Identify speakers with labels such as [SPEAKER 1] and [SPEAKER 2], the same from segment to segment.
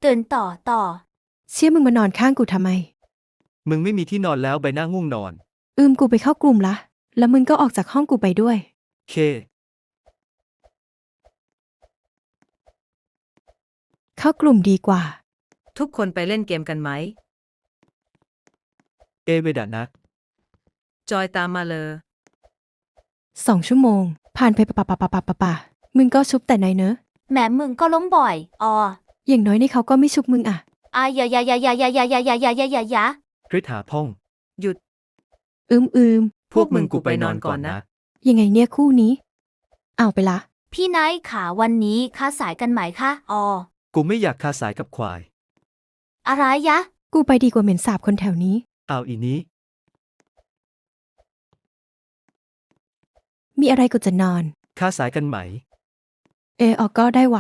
[SPEAKER 1] ตื่นต่อ
[SPEAKER 2] เชี่ยมึงมานอนข้างกูทำไม
[SPEAKER 3] มึงไม่มีที่นอนแล้วใบหน้าง่วงนอน
[SPEAKER 2] กูไปเข้ากลุ่มละแล้วมึงก็ออกจากห้องกูไปด้วย
[SPEAKER 3] เค
[SPEAKER 2] เข้ากลุ่มดีกว่า
[SPEAKER 4] ทุกคนไปเล่นเกมกันไหม
[SPEAKER 3] เวดานัก
[SPEAKER 4] จอยตามมาเลย
[SPEAKER 2] 2 ชั่วโมง ผ่านไปปะมึงก็ชุบแต่ไหนเนอะ
[SPEAKER 1] แหมมึงก็ล้มบ่อย
[SPEAKER 2] อย่างน้อยในเขาก็ไม่ชุบมึงอะ
[SPEAKER 1] อย่า
[SPEAKER 3] คริสหาพ่อง
[SPEAKER 4] หยุด
[SPEAKER 2] อืม
[SPEAKER 3] พวกมึงกูไปนอนก่อนนะ
[SPEAKER 2] ยังไงเนี่ยคู่นี้ เอาไปละ
[SPEAKER 1] พี่นายขาวันนี้ค้าสายกันไหมคะ
[SPEAKER 3] กูไม่อยากคาสายกับควาย
[SPEAKER 1] อะไรยะ
[SPEAKER 2] กูไปดีกว่าเหม็นสาบคนแถวนี้
[SPEAKER 3] เอาอีนี้
[SPEAKER 2] มีอะไรกูจะนอน
[SPEAKER 3] คาสายกันไหม
[SPEAKER 2] ออกก็ได้ว่ะ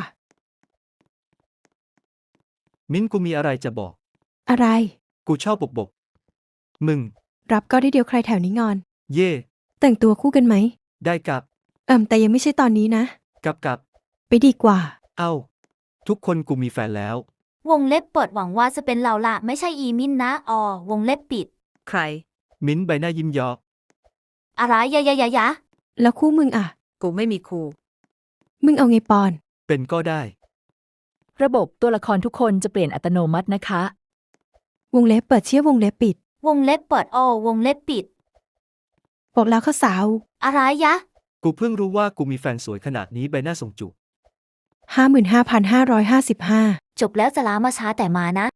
[SPEAKER 3] มิ้นกูมีอะไรจะบอก
[SPEAKER 2] อะไร
[SPEAKER 3] กูชอบบก มึง
[SPEAKER 2] รับก็ได้เดียวใครแถวนี้งอน
[SPEAKER 3] เย่
[SPEAKER 2] แต่งตัวคู่กันไหม
[SPEAKER 3] ได้กับ
[SPEAKER 2] แต่ยังไม่ใช่ตอนนี้นะ
[SPEAKER 3] กับ
[SPEAKER 2] ไปดีกว่า
[SPEAKER 3] เอ้า ทุกคนกูมีแฟนแล้ว
[SPEAKER 1] วงเล็บเปิดหวังว่าจะเป็นเราละไม่ใช่อีมินนะวงเล็บปิด
[SPEAKER 4] ใคร
[SPEAKER 3] มิ้นใบหน้ายิ้มยอก
[SPEAKER 1] อะไรยะ
[SPEAKER 2] แล้วคู่มึงอะ
[SPEAKER 4] กูไม่มีครู
[SPEAKER 2] มึงเอาไงปอน
[SPEAKER 3] เป็นก็ได้
[SPEAKER 5] ระบบตัวละครทุกคนจะเปลี่ยนอัตโนมัตินะคะ
[SPEAKER 2] วงเล็บเปิดเชี่ยวงเล็บปิด
[SPEAKER 1] วงเล็บเปิดวงเล็บปิด
[SPEAKER 2] บอกแล้วข้าสาว
[SPEAKER 1] อะไรยะ
[SPEAKER 3] กูเพิ่งรู้ว่ากูมีแฟนสวยขนาดนี้ใบหน้าส่งจุ
[SPEAKER 2] 55,555
[SPEAKER 1] จบแล้วจะลามาช้าแต่มานะ